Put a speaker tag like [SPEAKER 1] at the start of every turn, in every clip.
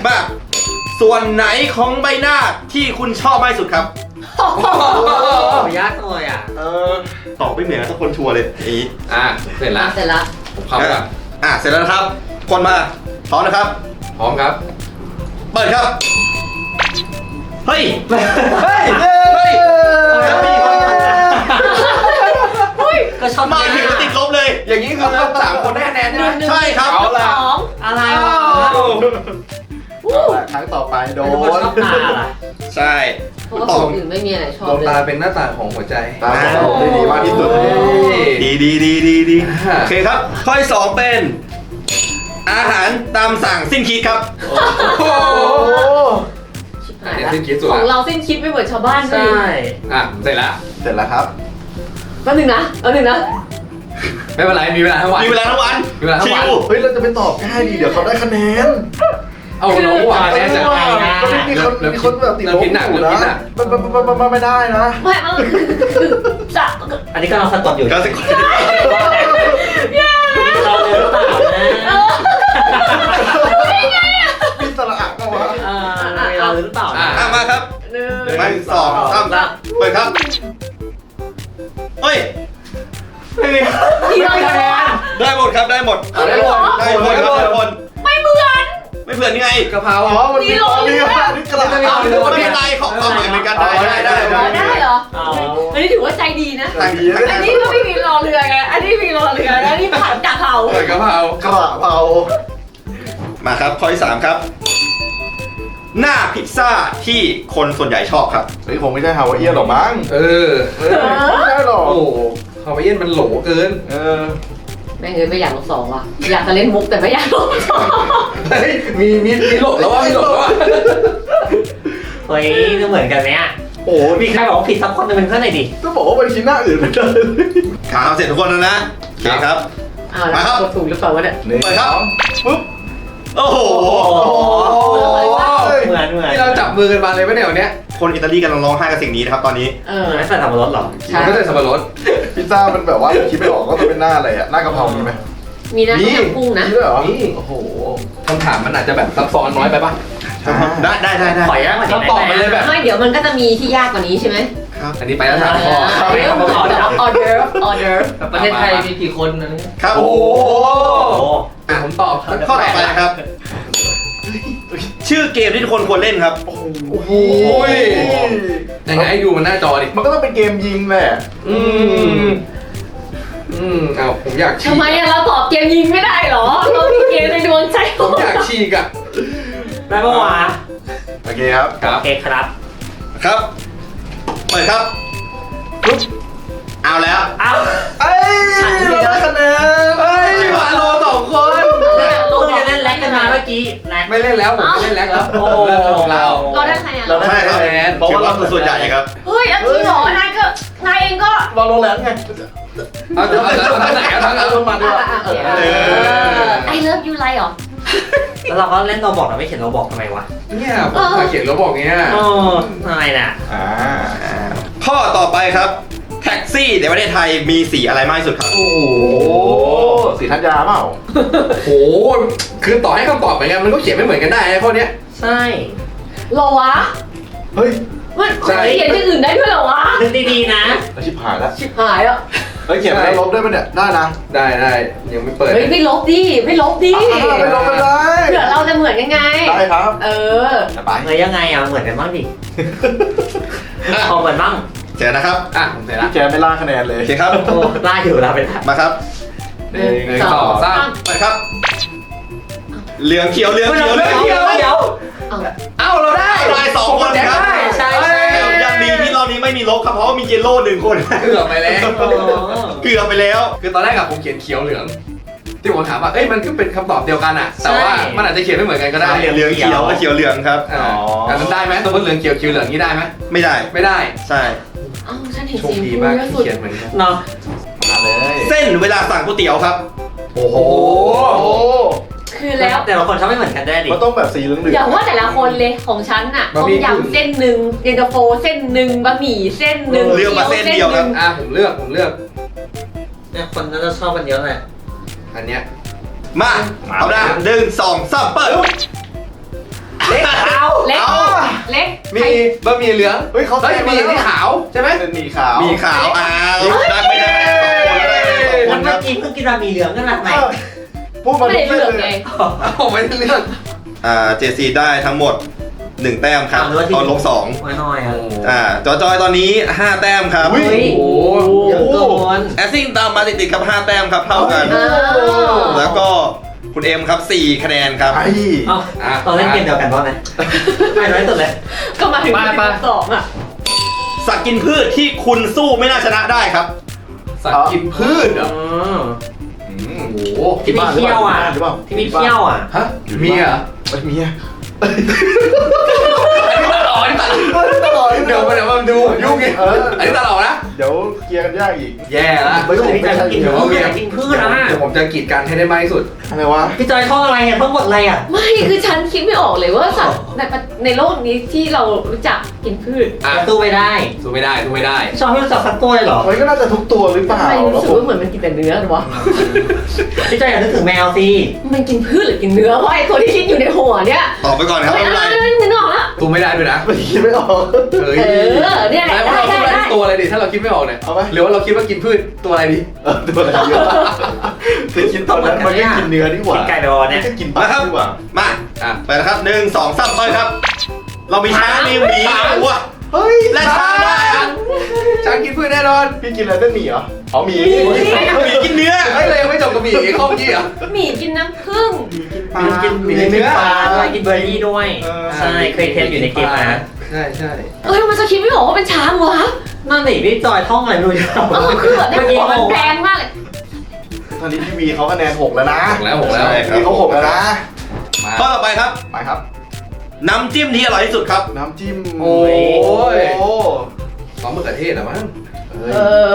[SPEAKER 1] มาส่วนไหนของใบหน้าที่คุณชอบมากที่สุดครับ
[SPEAKER 2] ยากเลยอ่ะ
[SPEAKER 1] ตอบไม่เหมือนทุกคนชัวร์เลยอี
[SPEAKER 3] เสร็จแล้ว
[SPEAKER 4] เสร็จแล้ว
[SPEAKER 3] ผมเข้าก่อน
[SPEAKER 1] เสร็จแล้วนะครับคนมาพร้อมนะครับ
[SPEAKER 3] พร้อมครับ
[SPEAKER 1] เปิดครับเฮ้ย
[SPEAKER 2] เฮ้ย
[SPEAKER 1] เฮ้ย
[SPEAKER 2] ก็ชอบ
[SPEAKER 1] มาถึงติดลบเลย
[SPEAKER 3] อย่างนี้คือ3 คนได้คะแนนใช่ไหม
[SPEAKER 1] ใช่ครับ
[SPEAKER 3] เอาล่ะ
[SPEAKER 4] สอง
[SPEAKER 2] อะไรวะ
[SPEAKER 5] ครั้งต่อไปโด
[SPEAKER 2] เป็นคน
[SPEAKER 5] น
[SPEAKER 2] ชอบตาล่ะ
[SPEAKER 1] ใช่
[SPEAKER 4] เพราะว่าคนอื่นไม่มีอะไรชอบ
[SPEAKER 3] ดวง
[SPEAKER 4] เลย
[SPEAKER 3] ตาเป็นหน้าต่างของหัวใจ
[SPEAKER 5] ตามผมได้ดีมากที่สุด
[SPEAKER 1] ดีโอเคครับข้อที่ 2เป็น อาหารตามสั่งสิ้นคิดครับ
[SPEAKER 4] ชิบหาย
[SPEAKER 3] เดี๋ยว
[SPEAKER 4] ละ
[SPEAKER 3] สิ้นคิดสุด
[SPEAKER 4] ของ
[SPEAKER 3] ละ
[SPEAKER 4] เราสิ้นคิดไม่เหมือนชาวบ้านเล
[SPEAKER 2] ใช่
[SPEAKER 4] ย
[SPEAKER 3] เสร็จแล้ว
[SPEAKER 5] เสร็จแล้วครับ
[SPEAKER 4] แป๊บนึงนะ
[SPEAKER 3] ไม่เป็นไรมีเวลาทั้งวัน
[SPEAKER 1] มีเวลาทั้งวัน
[SPEAKER 3] มีเวลาทั้
[SPEAKER 1] ชิ
[SPEAKER 3] งวัน
[SPEAKER 1] ว
[SPEAKER 5] เฮ้ยเราจะไปตอบง่ายดีเดี๋ยวเขาได้คะแนน
[SPEAKER 3] เอาน้องหวานแน่จัง
[SPEAKER 5] มีคนแบบติดลบอยู่นะไม่ได้นะ
[SPEAKER 4] ไม่คือจะ
[SPEAKER 2] อันนี้ก็เราสะกดอยู่
[SPEAKER 1] ก็สิ
[SPEAKER 2] เราเลยหรือเปล่านะ
[SPEAKER 5] มีสระอะก็วะ
[SPEAKER 2] เราหรือเปล่านะ
[SPEAKER 1] มาครับ
[SPEAKER 4] หนึ่ง
[SPEAKER 1] ไม่สองสามเปิดครับเฮ้ย
[SPEAKER 4] ทีเราคะแนน
[SPEAKER 1] ได้หมดครับได้หมด
[SPEAKER 4] ได้หมด
[SPEAKER 1] ได้หมดครับได้หมด
[SPEAKER 4] ไม่เหมือน
[SPEAKER 1] ไม่เพื่อนนี่ไง
[SPEAKER 3] กะเพรา
[SPEAKER 5] อ๋อมันมีของดีมากนี่กระดาษ
[SPEAKER 1] ไม่เป็นไรของความหมายเหมือนกันได้
[SPEAKER 4] ได้เหรออันนี้ถือว่าใจดีนะ
[SPEAKER 5] ต่างดีนะ
[SPEAKER 4] อันนี้ก็ไม่มีรอเรือไง อันนี้มีรอเรือแล้วนี่ผัดกะเพรา
[SPEAKER 3] เปิดกะเพราก
[SPEAKER 5] ระเพรา
[SPEAKER 1] มาครับข้อที่ 3 ครับ หน้าพิซซ่าที่คนส่วนใหญ่ชอบครับ
[SPEAKER 5] เฮ้ยคงไม่ใช่ฮาวายเอียนหรอกมั้ง ไม่ใช่หรอก
[SPEAKER 3] โอ้ฮาวายเอียนมันโหลเกิน
[SPEAKER 4] แม่งเอ้ยไม่อยากลบสองว่ะ อยากจะเล่นมุกแต่ไม่อยากลบสอง
[SPEAKER 3] เฮ้ยมีโหลแล้วว่ามีโหลแล้วว่า
[SPEAKER 2] เฮ้ยก็เหมือนกันไหมอ่ะ
[SPEAKER 5] โอ้
[SPEAKER 2] มีใครบอกว่าผิดสักคนนึงเป็นเพื่อนหน่อยดิ
[SPEAKER 5] ก็บอกว่ามันคิดหน้าอื่นไม่ได้
[SPEAKER 1] ข่าวเสร็จทุกคนแล้วนะโอเคครับ
[SPEAKER 4] อ้าวแล้วกดถูกหรือเปล่าวะเนี่ย
[SPEAKER 1] เปิดครับปุ๊บโอ้โห
[SPEAKER 2] เหมือน
[SPEAKER 3] ที่เราจับมือกันมาเลยไหมเนี่ยวันเนี้ย
[SPEAKER 1] คนอิตาลีกำลังร้องไห้กับสิ่งนี้นะครับตอนนี้
[SPEAKER 2] ไม่ใส่สับปะรดหรอ
[SPEAKER 3] มันก็ใส่สับปะรด
[SPEAKER 5] พิซซ่ามันแบบว่าคิดไม่ออกก็จะเป็นหน้าอะไรอะหน้ากะเพรามีไหม
[SPEAKER 4] มีนะต้มยำกุ้งนะ
[SPEAKER 5] มีด้วยเหรอ
[SPEAKER 3] นี่
[SPEAKER 5] โอ้โห
[SPEAKER 3] คำถามมันอาจจะแบบซับซ้อนน้อยไปป่ะ
[SPEAKER 1] ได้
[SPEAKER 2] ขออนุญาตมา
[SPEAKER 3] คำตอบมันเลยแบบ
[SPEAKER 4] ไม่เดี๋ยวมันก็จะมีที่ยากกว่านี้ใช่ไหม
[SPEAKER 3] อันนี้ไปแล้ว3 ข้อ
[SPEAKER 4] ออเดอร์
[SPEAKER 2] ประเทศไทยมีกี่คนนะ
[SPEAKER 1] ครับ
[SPEAKER 3] โอ้โห
[SPEAKER 2] โอ้
[SPEAKER 3] ผมตอบ
[SPEAKER 1] ข้อต่อไปนะครับ ชื่อเกมที่ทุกคนควรเล่นครับ
[SPEAKER 5] โอ้โห
[SPEAKER 3] ยังไงดูมันหน้าจอดิ
[SPEAKER 5] มันก็ต้องเป็นเกมยิงแหละ
[SPEAKER 3] เอาผมอยากฉีก
[SPEAKER 4] ทำไมอะเราตอบเกมยิงไม่ได้เหรอ เรามีเกมในดวงใจ
[SPEAKER 3] ผมอยากฉีกอ่ะ
[SPEAKER 2] ได้ปะวะ
[SPEAKER 5] โอเคครับ
[SPEAKER 3] ครับ
[SPEAKER 2] โอเคครับ
[SPEAKER 1] ครับ เปิดครับปุ๊บเอาแล้ว
[SPEAKER 2] เอ้า
[SPEAKER 5] เอ้ยเราได้คะแนน
[SPEAKER 3] เฮ้ยมาโล2 คน
[SPEAKER 2] เราจะเล่นแล็กกันมาเมื่อกี้แล็ก
[SPEAKER 3] ไม่เล่นแล้วผมไม่เล่นแล้วครับ
[SPEAKER 2] โอ้
[SPEAKER 3] เรื่องของเรา
[SPEAKER 4] เราได้คะแนน
[SPEAKER 3] เราได้
[SPEAKER 1] ใช่ครับ
[SPEAKER 3] คะแนน
[SPEAKER 1] เพราะว่าเราคือส่วนใหญ่ครับ
[SPEAKER 4] เฮ้ยอันนี้หรอนายก็นายเองก็
[SPEAKER 5] เราโรงแรมไง
[SPEAKER 3] เอาทางไหนเอาทาง
[SPEAKER 5] เอาลงมาด้วย
[SPEAKER 4] I love you ไรหรอ
[SPEAKER 2] แล้วเราก็เล่นเราบอกเราไม่เขียนเราบอกทำไมวะ
[SPEAKER 3] เนี่ยผมมาเขียนแล้วบอกเงี้ย
[SPEAKER 2] โอ้ทำไมน่ะ
[SPEAKER 1] ข้อต่อไปครับ แท็กซี่ในประเทศไทยมีสีอะไรมากที่สุดครับ
[SPEAKER 3] โอ้โห
[SPEAKER 5] สีธัญญาเปล่า
[SPEAKER 3] โหคือต่อให้คำตอบเหมือนกันมันก็เขียนไม่เหมือนกันได้นะข้อเนี้ย
[SPEAKER 2] ใช่
[SPEAKER 4] หรอวะ
[SPEAKER 5] เฮ้ย
[SPEAKER 4] มันเขียนที่อื่นได้ด้วยเหรอวะ
[SPEAKER 2] นึกดีๆนะ
[SPEAKER 5] อาชิบหายแล้ว
[SPEAKER 4] ชิบหายอ่ะ
[SPEAKER 5] เฮ้ยเขียนแล้วลบได้ปะเนี่ย ได้นะ
[SPEAKER 3] ได้ยังไม่เปิด
[SPEAKER 4] เฮ้ยไม่ลบดิ ไม่ลบดิ
[SPEAKER 5] ไม่ลบกันได้
[SPEAKER 4] เผื่อเราจะเหมือนยังไง
[SPEAKER 5] ได้ครับ
[SPEAKER 4] เออ
[SPEAKER 5] ไป
[SPEAKER 2] เฮ้ยยังไงอ่ะเหมือนกันบ้างดิพอเหมือนบ้าง
[SPEAKER 1] เสร็จนะครับ
[SPEAKER 3] ผมเสร็จละ
[SPEAKER 5] พี่แกไม่ล่าคะแนนเลย
[SPEAKER 1] โอเคครับ
[SPEAKER 2] โอ้ล่าอยู่เราเป็น
[SPEAKER 1] มาครับ
[SPEAKER 3] 1 2 3
[SPEAKER 1] เปิดครับ เหลืองเขียวเหลืองเขียวเหลืองเขียว
[SPEAKER 2] เดี๋ยว
[SPEAKER 3] เอ้าเราได้
[SPEAKER 1] ได้สองคนครับ
[SPEAKER 2] ใช่
[SPEAKER 1] ยังดีที่รอบนี้ไม่มีลบครับเพราะว่ามีเยลโล่1 คน
[SPEAKER 3] เกือบไปแล้ว
[SPEAKER 1] เกือบไปแล้ว
[SPEAKER 3] คือตอนแรกอะผมเขียนเขียวเหลือง ที่ผมถามว่าเอ้ยมันก็เป็นคำตอบเดียวกันอะแต่ว่ามันอาจจะเขียนไม่เหมือนกันก็ได้
[SPEAKER 1] เหลืองเขียวกับเขียวเหลืองครับ
[SPEAKER 3] อันนั้นได้ไหมสมมติเหลืองเขียวเหลืองนี่ได้ไหม
[SPEAKER 1] ไม่ได้
[SPEAKER 3] ไม่ได้
[SPEAKER 1] ใช่
[SPEAKER 4] เอ้าฉันเห็น
[SPEAKER 3] โช
[SPEAKER 4] สี
[SPEAKER 3] คดี
[SPEAKER 4] ฟู
[SPEAKER 3] มาก
[SPEAKER 4] เยอะ
[SPEAKER 3] ที่
[SPEAKER 4] สุด
[SPEAKER 3] เขียนเหมือนกัน
[SPEAKER 2] เนาะ
[SPEAKER 5] มาเลย
[SPEAKER 1] เส้นเวลาสั่งก๋วยเตี๋ยวครับ
[SPEAKER 3] โอ้โห
[SPEAKER 5] โอ้
[SPEAKER 4] คือแล้ว
[SPEAKER 2] แต่ละคนชอบไม่เหมือนกันได้ดิ
[SPEAKER 5] มันต้องแบบสีเหลือง
[SPEAKER 4] อย่าว่าแต่ละคนเลยของฉันน่ะต้มยำเส้นหนึ่งเย็นตาโฟเส้นหนึ่งบะหมี่เส้นหนึ่ง
[SPEAKER 1] เลือกมาเส้นเดียวครับ
[SPEAKER 3] ผมเลือก
[SPEAKER 2] เนี่ยคนน่าจะชอบกันเยอะเลย
[SPEAKER 3] อันเนี้ย
[SPEAKER 1] มาเอาละ1 2 3เปิด
[SPEAKER 2] เล็กเอา
[SPEAKER 4] เล็ก
[SPEAKER 1] เอา
[SPEAKER 4] เล็ก
[SPEAKER 3] มีบะหมี่เหลือง
[SPEAKER 5] เฮ้ยเขา
[SPEAKER 3] แล้ว
[SPEAKER 5] แซง
[SPEAKER 3] มี
[SPEAKER 5] มาแล้ว
[SPEAKER 3] ที่ขาวใช่ไหม
[SPEAKER 5] เป็นหมี่ขาว
[SPEAKER 1] มีขาวได้ไม่ได้สองคนได้สองค
[SPEAKER 2] มัน น
[SPEAKER 1] ค
[SPEAKER 2] เมื่
[SPEAKER 1] รั
[SPEAKER 2] อบ กี้เพิ่งกินบะหมี่เหลืองกันมาใหม่
[SPEAKER 5] พูดมา
[SPEAKER 4] ไม่ได้เลือกไง
[SPEAKER 3] เอาไม่ได้เลือก
[SPEAKER 1] เจซีได้ทั้งหมด1 แต้มครับตอนลบ2
[SPEAKER 2] น้อยอ่ะ
[SPEAKER 1] จอยตอนนี้ 5 แต้มครับ
[SPEAKER 2] เฮ้ย
[SPEAKER 3] โอ้โห
[SPEAKER 2] เยอะเกิน
[SPEAKER 1] แอสซิ่งตามมาติดๆครับ5 แต้มครับเท่ากัน
[SPEAKER 4] อ้าว
[SPEAKER 1] แล้วก็คุณเอ็มครับ4 คะแนนครับ
[SPEAKER 5] ไอ้
[SPEAKER 2] เอ้าตอนเล่นเกมเดียวกันป่ะนะไม่น้อยสุดเลย
[SPEAKER 4] ก็มาถึง12อ่ะ
[SPEAKER 1] สัตว์กินพืชที่คุณสู้ไม่น่าชนะได้ครับ
[SPEAKER 3] สัตว์กินพืชเหรอโอ้โห
[SPEAKER 2] ที่มีเขี้ยวอ่ะ
[SPEAKER 5] หรือเปล่า
[SPEAKER 2] ที่มีเขี้ยวอ่ะ
[SPEAKER 3] ฮะมีเหรอ
[SPEAKER 5] ไม่มีอะ
[SPEAKER 3] อันนี้ตัดออกอันนี้ตัดเดี๋ยวมาดูยุ่งไงอันนี้ตัดออกนะ
[SPEAKER 5] เดี๋ยวเคลียร์กันยากอีก
[SPEAKER 3] แย่ละ
[SPEAKER 5] ไม่ต้อง
[SPEAKER 2] พี่จอยกินพืชกินพืชอ่ะ
[SPEAKER 3] เดี๋ยวผมจะกีดกันให้ได้มากที่สุด
[SPEAKER 5] อะไรวะ
[SPEAKER 2] พี่จอยท่องอะไรอ่ะท่องบทอะไรอ่ะ
[SPEAKER 4] ไม่คือฉันคิดไม่ออกเลยว่าสัตว์ในโลกนี้ที่เรารู้จักกินพืช
[SPEAKER 3] อ่ะ
[SPEAKER 2] สู้ไม่ได้
[SPEAKER 3] สู้ไม่ได้สู้ไม่ได้
[SPEAKER 2] ชอบไม่รู้จักสักตัวเลยเหรอ
[SPEAKER 5] มันก็น่าจะทุกตัวหรือเปล่า
[SPEAKER 4] ทำไมรู้สึกว่าเหมือนมันกินแต่เนื้อหรอวะ
[SPEAKER 2] พี่จอยอยากนึกถึงแมวสิ
[SPEAKER 4] มันกินพืชหรือกินเนื้อวะไอ้ตัวที่คิดอยู่ในหัวเนี่ย
[SPEAKER 1] ตอบไปก่อนครับ
[SPEAKER 4] เฮ้ย
[SPEAKER 1] ไม่เป็นไร
[SPEAKER 4] นึกออกแล้ว
[SPEAKER 3] สู้ไม่ได้ด้วยนะ
[SPEAKER 5] ไม่คิดไม่ออก
[SPEAKER 3] เฮ้ย
[SPEAKER 4] เนี่ย
[SPEAKER 3] แล้ว
[SPEAKER 4] ได้
[SPEAKER 3] เรา
[SPEAKER 4] ได้
[SPEAKER 3] สู้ได้
[SPEAKER 4] ได้
[SPEAKER 3] ตัวอะไรดีถ้าเราคิดไม่ออกเนี่ย
[SPEAKER 5] เอาไหม
[SPEAKER 3] หรือว่าเราคิดว่ากินพืชตัวอะไรดี
[SPEAKER 5] ตัวอะไรเยอะแต่คิดตอนนั้นมันก็กินเนื้อดีกว่า
[SPEAKER 2] กินไก่ไปวอเนี่ย
[SPEAKER 5] ก็กินปลาดีกว่า
[SPEAKER 1] มา
[SPEAKER 3] อ่ะ
[SPEAKER 1] ไปนะครับ1 2 3ไปครับ เรามีช้างมีหมีวัว
[SPEAKER 5] เฮ้ย
[SPEAKER 1] และช้างได้ครับ
[SPEAKER 3] ช้างกินพืชแน่นอน
[SPEAKER 5] พี่กินอะไรเส้นหมี่เหรออ๋อหมี่
[SPEAKER 1] หมีกินเนื้อ
[SPEAKER 3] เฮ้ยเรายังไม่จบกับหมี่ข้อเมื่อกี้เหรอ
[SPEAKER 4] หมี่กินน้ำผึ้ง
[SPEAKER 2] กินเนื้อปลาด้วยกินเบอร์รี่ด้วย ใช่เคยเทสอยู่ในเกมนะ
[SPEAKER 3] ใช่ใช่
[SPEAKER 4] เอ้ยมันจะคิดไม่ออกว่าเป็นช้างวะ
[SPEAKER 2] นั่นสิพี่จอยท่องอะไรไม่รู้อยู่
[SPEAKER 4] คือแบบในหัวมันแรงมากเลย
[SPEAKER 5] ตอนนี้พี่วีเขาคะแนน6แล้วนะ
[SPEAKER 3] หกแล้วหกแล้ว
[SPEAKER 1] ใช่ครับ
[SPEAKER 5] พี่เขา6แล้วนะ
[SPEAKER 3] มา
[SPEAKER 1] ข้อต่อไปครับ
[SPEAKER 5] ไปครับ
[SPEAKER 1] น้ำจิ้มที่อร่อยที่สุดครับ
[SPEAKER 5] น้ำจิ้ม
[SPEAKER 3] โอ้ย
[SPEAKER 5] โอ้
[SPEAKER 3] ซอสมะเขือเทศเหรอมั้ง
[SPEAKER 5] เฮ้
[SPEAKER 4] เอย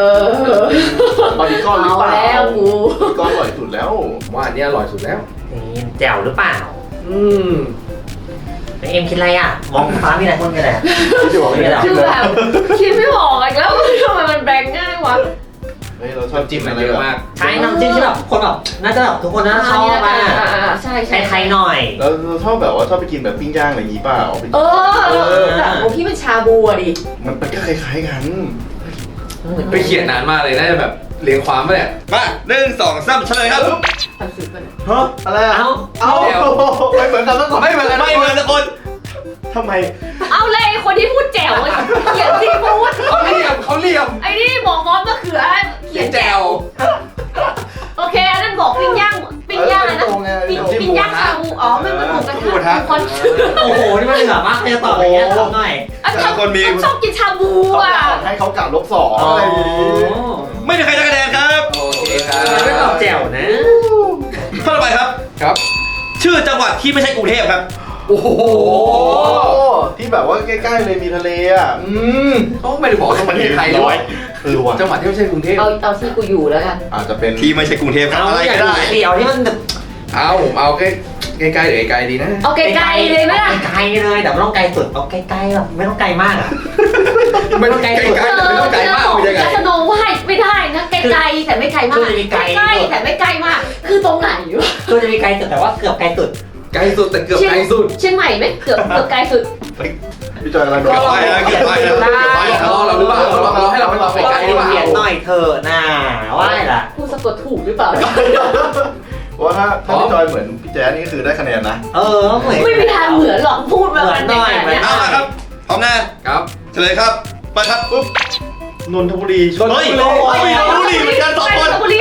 [SPEAKER 5] บาร์บีคอนหรือ
[SPEAKER 4] เอา
[SPEAKER 5] เปล่า
[SPEAKER 4] แล้วกู
[SPEAKER 5] บาร์บีคอนอร่อยสุดแล้ว
[SPEAKER 3] ว่าอันนี้อร่อยสุดแล้ว
[SPEAKER 2] นี่แจ๋วหรือเปล่า
[SPEAKER 3] อืม
[SPEAKER 2] เอ็มคิดอะไรอ่ะ มองฟ้ามีอะไรคนกันแหละ
[SPEAKER 5] พี่จะบอกไม่ได้
[SPEAKER 4] คือแบบคิดไม่ออกอีกแล้วทำไมมันแบงง่ายวะ
[SPEAKER 5] เฮ้ยเราชอบจิ้ม
[SPEAKER 3] มั
[SPEAKER 5] อะ
[SPEAKER 3] น
[SPEAKER 5] ไร
[SPEAKER 3] เยอะมาก
[SPEAKER 2] ใช่น้ำจิ้มที่แบบคนแบบน่าจะแบบทุกคนน่าจะชอบอ่ะ
[SPEAKER 4] ใช่ใช่
[SPEAKER 2] ไทยๆหน่อย
[SPEAKER 5] เราชอบแบบว่าชอบไปกินแบบปิ้งย่างอะไรอย่างงี้เปล่า
[SPEAKER 4] เออแต่ของพี่มันชาบูอะดิ
[SPEAKER 5] มันก็คล้ายๆกัน
[SPEAKER 3] ไปเขียนนานมากเลยน่าจะแบบเรียงความมาเนี่ย
[SPEAKER 1] มา1 2 3เฉลยครับ
[SPEAKER 4] ตัดสินกัน
[SPEAKER 5] ฮะอะไรอะ
[SPEAKER 2] เอ้า
[SPEAKER 5] เอาไม่เหมือนกันสักคน
[SPEAKER 3] ไม่เหมือนกัน
[SPEAKER 1] ไม่เหมือนสักคน
[SPEAKER 5] ทำไม
[SPEAKER 4] เอาเลยคนที่พูดแจ๋วเขียนซีฟู้ด
[SPEAKER 3] เขาเรียมเขาเรียม
[SPEAKER 4] ไอ้นี่บอกมอสมะเขือเขียน
[SPEAKER 3] แจ
[SPEAKER 4] แจ๋
[SPEAKER 3] ว
[SPEAKER 4] วโอเคอันนั้นบอกปิ้งย่างอะไรนะปิ้งย่างชาบูอ๋อมันหมูกระทะคอน
[SPEAKER 2] โอ้โห นี่มันเหลือมากใครจะตอบอย่างเงี้ยตอบหน่อย
[SPEAKER 4] ชอบกินชาบู
[SPEAKER 5] เขา
[SPEAKER 4] อ่ะ
[SPEAKER 5] กล่าวให้เขากล่าว-2อะไรอย่างงี้
[SPEAKER 1] ไม่มีใครได้คะแนนครับ
[SPEAKER 3] โอเคครับ
[SPEAKER 2] ไม่ตอบแจ๋วนะ
[SPEAKER 1] ข้อต่อไปครับ
[SPEAKER 3] ครับ
[SPEAKER 1] ชื่อจังหวัดที่ไม่ใช่กรุงเทพครับ
[SPEAKER 3] โอ้โห
[SPEAKER 5] โอ้ที่แบบว่าใกล้ๆเลยมีทะเลอ่ะ
[SPEAKER 3] เขาไม่ได้บอกว่าประเทศไทยหรอ
[SPEAKER 5] ว่ะ
[SPEAKER 3] จังหวัดที่ไม่ใช่กรุงเทพ
[SPEAKER 4] เอาที่กูอยู่แล้วกัน
[SPEAKER 5] อาจจะเป็น
[SPEAKER 1] ที่ไม่ใช่กรุงเทพครับ
[SPEAKER 2] เอา
[SPEAKER 1] อะไร
[SPEAKER 2] อยาก
[SPEAKER 1] ก็
[SPEAKER 2] ดู
[SPEAKER 1] ได้
[SPEAKER 2] เดียวที่มันแบบ
[SPEAKER 3] เอาผมเอาใกล้ๆหรือไกลๆดีนะ
[SPEAKER 4] เอาไกลๆเลยไหมล่ะ
[SPEAKER 2] ไกลเลยแต่ไม่ต้องไกลสุดเอาใกล้ๆแบบไม่ต้องไกลมากอ่ะ
[SPEAKER 3] ไม่ต้องไกลๆแต่ไม่ต้องไกลมากเป็นยังไง
[SPEAKER 4] สโนว์ไวท์ไม่ได้นะไกลๆแต่ไม่ไกลมากใกล้แต่ไม่ไกลมาก คือตรงไหนวะ
[SPEAKER 2] คือจะมีไกลสุดแต่ว่าเกือบไกลสุด
[SPEAKER 3] ไกลสุดแต่เกือบไกลสุด
[SPEAKER 4] เชียงใหม่ไหมเกือบไกลสุด
[SPEAKER 5] พี่จอยอะไร
[SPEAKER 1] เกือบไปแล้วเกือบไปแล้วเกือบไปแล้ว
[SPEAKER 3] เราหรือเปล่าเราให้เราไปตอบไกลๆหรือเปล่า
[SPEAKER 2] เขียนหน่อยเถอะน่าว่าอะไรล่ะ
[SPEAKER 4] กูสะกดถูกหรือเปล่า
[SPEAKER 5] เพราะว่าถ้าพี่จอยเหมือนพี่แจ๊สนี่คือได้คะแนนนะ
[SPEAKER 2] เออเหมือน
[SPEAKER 4] ไม่มีทางเหมือนหรอกพูดมาแบบนี้
[SPEAKER 1] เอาละครับพร้อมนะครับ เฉลยครับไปครับปุ๊บ
[SPEAKER 5] นนทบุรี
[SPEAKER 1] เฮ้ยนนทบุรีเหมือนกัน2 คน
[SPEAKER 4] นนทบุรี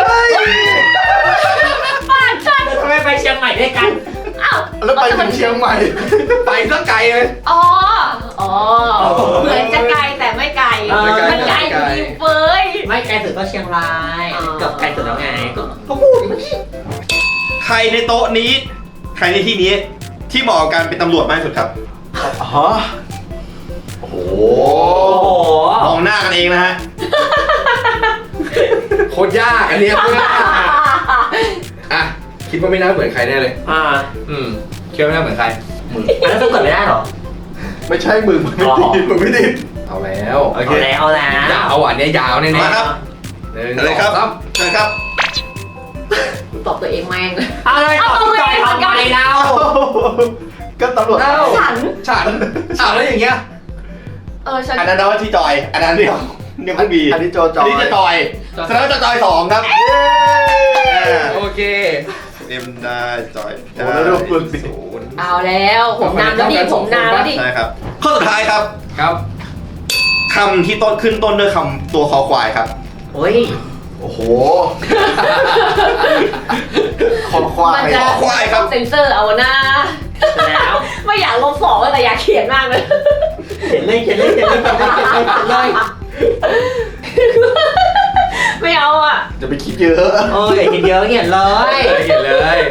[SPEAKER 4] บ้านฉัน
[SPEAKER 2] ทำไมไปเชียงใหม่ด้วยกัน
[SPEAKER 4] อ้าว
[SPEAKER 5] แล้วไปถึงเชียงใหม่
[SPEAKER 3] ไปสักไกลเลย
[SPEAKER 4] อ๋อเหมือนจะไกลแต่ไม่ไกลมันไกลอยู่ดีเฟ้ย
[SPEAKER 2] ไม่ไกลสุดก็เชียงราย
[SPEAKER 4] อ๋อ
[SPEAKER 2] เกือบไกลสุดแล้วไงก็พูดเมื่อกี้
[SPEAKER 1] ใครในโต๊ะนี้ ใครในที่นี้ที่เหมาะกับการเป็นตำรวจมากที่สุดครับ
[SPEAKER 5] ฮะโอ้โห
[SPEAKER 2] โอ้โห
[SPEAKER 1] มองหน้ากันเองนะฮะ
[SPEAKER 3] โคตรยากอันนี้โคตรยากอ่ะคิดว่าไม่น่าเหมือนใครแน่เลย คิดว่าไม่น่าเหมือนใคร
[SPEAKER 2] อันนั้นต้องกดไม่ได้หรอ
[SPEAKER 5] ไม่ใช่มึงไม่ติดมึงไม่ติด
[SPEAKER 3] เอาแล้ว
[SPEAKER 5] โอเค
[SPEAKER 2] เอาแล้ว
[SPEAKER 3] ยาวอ่ะเนี่ยยาวแน่ๆ
[SPEAKER 1] มาครับ
[SPEAKER 3] หนึ่ง
[SPEAKER 1] เฉลยครับ
[SPEAKER 3] สอง
[SPEAKER 1] เชิญครับ
[SPEAKER 4] ตอบตัวเองแม่ง
[SPEAKER 2] เอาเลยตอบพี่จอยทำไมเรา
[SPEAKER 5] ก็ตำรวจ
[SPEAKER 4] ฉัน
[SPEAKER 3] ฉันแล้วอย่างเงี้ย
[SPEAKER 4] ฉัน
[SPEAKER 1] อันนั้นนะว่าที่จอย อันนั้นเรียกคุณบี
[SPEAKER 5] อันนี้โจ
[SPEAKER 1] อันนี้จะจอยแสดงว่าจะจอย2ครับ
[SPEAKER 3] โอเค
[SPEAKER 1] เอ็มได้จอย
[SPEAKER 5] โอ้แล้วดูคุณสิ
[SPEAKER 4] เอาแล้วผมนำแล้วดิผมนำแล้วดิ
[SPEAKER 1] ใช่ครับ ข้อสุดท้ายครับ
[SPEAKER 3] ครับ
[SPEAKER 1] คำที่ต้นขึ้นต้นด้วยคำตัวคอควายครับ
[SPEAKER 2] โอ้ย
[SPEAKER 5] โอ้โหคอควาย
[SPEAKER 4] มันจะ
[SPEAKER 1] ขอควายครับ
[SPEAKER 4] เซ็นเซอร์เอานะ
[SPEAKER 2] แล้ว
[SPEAKER 4] ไม่อยากลบสองแต่อยากเขียนมากเลย
[SPEAKER 2] เขียนเลย
[SPEAKER 4] ไม่เอาอ่ะ
[SPEAKER 5] จะไปคิดเยอะ
[SPEAKER 2] โอ้ยเขียนเยอะเขียนเลย
[SPEAKER 3] เห็นเลย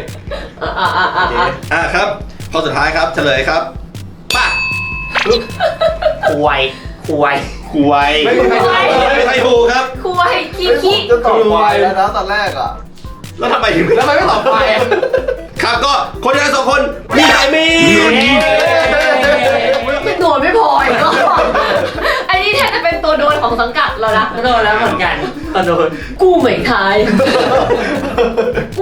[SPEAKER 1] ครับ ข้อสุดท้ายครับ เฉลยครับป่ะ
[SPEAKER 2] ควาย
[SPEAKER 1] ควายไม่ใช่ถูกครับ
[SPEAKER 4] คุยขี้
[SPEAKER 5] ผม
[SPEAKER 4] ขี้
[SPEAKER 5] จะตอบควายแล้วนะตอนแรกอ่ะ
[SPEAKER 1] แล้วทำไมถึง
[SPEAKER 3] แล้วทำไมไม่ตอบไปอ่ะ
[SPEAKER 1] ครับก็คนที่ทั้งสองคนมีใครมี
[SPEAKER 4] โดนไม่พออีกก็อันนี้แทบจะเป็นตัวโดนของสังกัดเราละ
[SPEAKER 2] โดนแล้วเหมือนกันโดน
[SPEAKER 4] กูเหมือนทาย